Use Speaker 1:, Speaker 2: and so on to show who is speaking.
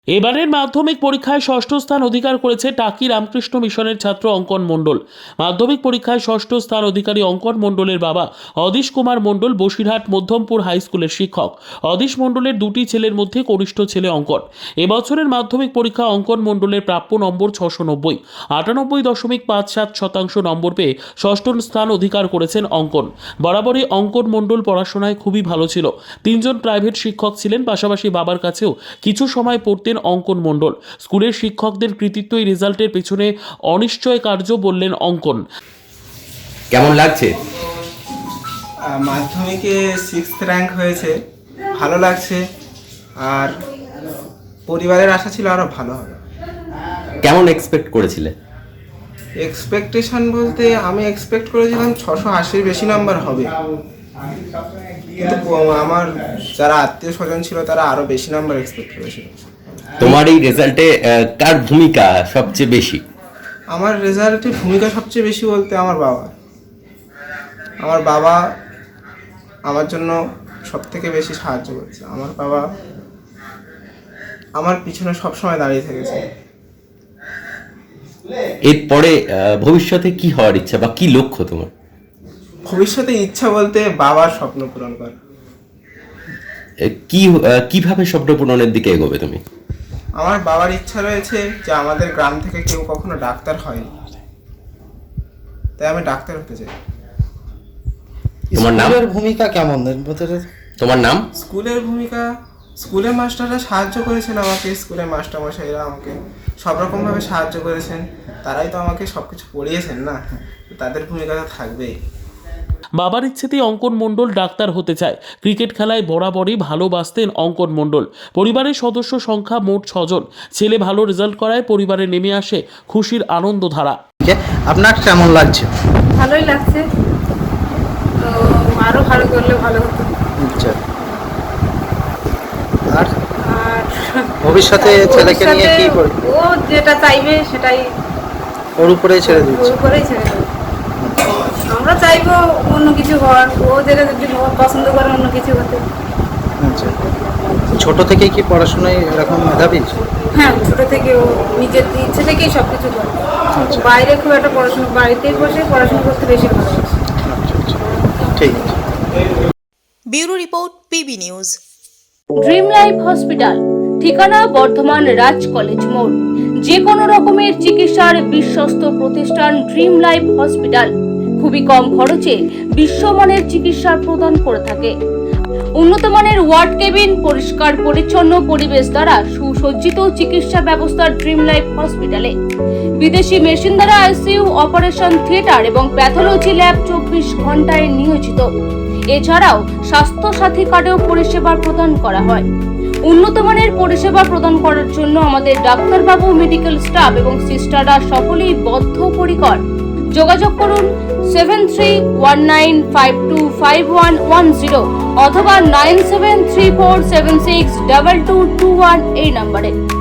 Speaker 1: এবারের মাধ্যমিক পরীক্ষায় ষষ্ঠ স্থান অধিকার করেছে টাকি রামকৃষ্ণ মিশনের ছাত্র অঙ্কন মণ্ডল। মাধ্যমিক পরীক্ষায় ষষ্ঠ স্থান অধিকারী অঙ্কন মণ্ডলের বাবা অদিশ কুমার মণ্ডল বসিরহাট মধ্যমপুর হাই স্কুলের শিক্ষক। অদিশ মণ্ডলের দুটি ছেলের মধ্যে কনিষ্ঠ ছেলে অঙ্কন। এবছরের মাধ্যমিক পরীক্ষা অঙ্কন মণ্ডলের প্রাপ্য নম্বর 690, 98.57% নম্বর পেয়ে ষষ্ঠ স্থান অধিকার করেছেন অঙ্কন। বরাবরই অঙ্কন মণ্ডল পড়াশোনায় খুবই ভালো ছিল। 3 জন প্রাইভেট শিক্ষক ছিলেন, পাশাপাশি বাবার কাছেও কিছু সময় পড়তেন অঙ্কন মণ্ডল। স্কুলের শিক্ষকদের কৃতিত্ব এই রেজাল্টের পেছনে অনিশ্চয় কার্য বললেন অঙ্কন।
Speaker 2: কেমন লাগছে?
Speaker 3: মাধ্যমিকে 6th র্যাঙ্ক হয়েছে, ভালো লাগছে। আর পরিবারের আশা ছিল আরও ভালো হবে।
Speaker 2: কেমন এক্সপেক্ট করেছিলে?
Speaker 3: এক্সপেকটেশন বলতে আমি এক্সপেক্ট করেছিলাম 680-র বেশি নাম্বার হবে, কিন্তু আমার যারা আত্মীয় স্বজন ছিল তারা আরও বেশি নাম্বার এক্সপেক্ট করেছিল।
Speaker 2: তোমার এই রেজাল্টে কার ভূমিকা সবচেয়ে বেশি?
Speaker 3: আমার রেজাল্টে ভূমিকা সবচেয়ে বেশি বলতে আমার বাবা আমার জন্য সব থেকে বেশি সাহায্য করেছে। আমার বাবা আমার পিছনে সবসময় দাঁড়িয়ে থেকেছে।
Speaker 2: এরপরে ভবিষ্যতে কি হওয়ার ইচ্ছা বা কি লক্ষ্য তোমার?
Speaker 3: ভবিষ্যতে ইচ্ছা বলতে বাবার স্বপ্ন পূরণ করা।
Speaker 2: কিভাবে স্বপ্ন পূরণের দিকে এগোবে তুমি?
Speaker 3: আমার বাবার ইচ্ছা রয়েছে যে আমাদের গ্রাম থেকে কেউ কখনো ডাক্তার হয়নি, তাই আমি ডাক্তার হতে চাই।
Speaker 2: তোমার নাম?
Speaker 4: স্কুলের ভূমিকা কেমন?
Speaker 2: তোমার নাম?
Speaker 3: স্কুলের ভূমিকা, স্কুলের মাস্টাররা সাহায্য করেছেন আমাকে, স্কুলের মাস্টারমশাইরা আমাকে সব রকমভাবে সাহায্য করেছেন। তারাই তো আমাকে সব কিছু পড়িয়েছেন না, তাদের ভূমিকা তো থাকবেই।
Speaker 1: বাবার ইচ্ছেতেই অঙ্কন মণ্ডল ডাক্তার হতে চায়। ক্রিকেট খেলায় বরাবরই ভালোবাসতেন অঙ্কন মণ্ডল। পরিবারের সদস্য সংখ্যা মোট 6 জন। ছেলে ভালো রেজাল্ট করায় পরিবারে নেমে আসে খুশির আনন্দধারা।
Speaker 4: আপনার কেমন লাগছে?
Speaker 5: ভালোই লাগছে, তো আরো ভালো করলে ভালো হতো।
Speaker 4: আচ্ছা, আর
Speaker 5: আর
Speaker 4: ভবিষ্যতে ছেলেকে নিয়ে কি করবে?
Speaker 5: ও যেটা চাইবে সেটাই
Speaker 4: ওর উপরেই ছেড়ে দিচ্ছে।
Speaker 5: ওর উপরেই ছেড়ে দেবে। আমরা চাইবো অন্য কিছু হওয়ার, ও যেটা যদি পছন্দ করে অন্য কিছু হতে।
Speaker 4: আচ্ছা, ছোট থেকে কি পড়াশোনায় এরকম মেধাবী?
Speaker 5: হ্যাঁ, ছোট থেকে ও নিজের ইচ্ছে থেকেই সব কিছু করে।
Speaker 4: আচ্ছা।
Speaker 5: বাইরে খুব একটা পড়াশোনা, বাড়িতেই বসে পড়াশোনা করতে বেশি ভালোবাসে।
Speaker 4: আচ্ছা আচ্ছা, ঠিক আছে।
Speaker 6: Bureau report, PB news.
Speaker 7: Dream life hospital, ঠিকানা বর্ধমান রাজ কলেজ মোড়। যে কোনো রকমের চিকিৎসার বিশ্বস্ত প্রতিষ্ঠান ড্রিম লাইফ হসপিটাল খুবই কম খরচে বিশ্বমানের চিকিৎসা প্রদান করে থাকে। উন্নত মানের ওয়ার্ড কেবিন, পরিষ্কার পরিচ্ছন্ন পরিবেশ দ্বারা সুসজ্জিত চিকিৎসা ব্যবস্থা ড্রিম লাইফ হসপিটালে। বিদেশি মেশিন দ্বারা আইসিইউ, অপারেশন থিয়েটার এবং প্যাথোলজি ল্যাব 24 ঘন্টায় নিয়োজিত। এছাড়াও স্বাস্থ্য সাথী কার্ডেও পরিষেবা প্রদান করা হয়। উন্নত মানের পরিষেবা প্রদান করার জন্য আমাদের ডাক্তারবাবু, মেডিকেল স্টাফ এবং সিস্টাররা সকলেই বদ্ধপরিকর। যোগাযোগ করুন 7319525110 অথবা 9734762221 এই নম্বরে।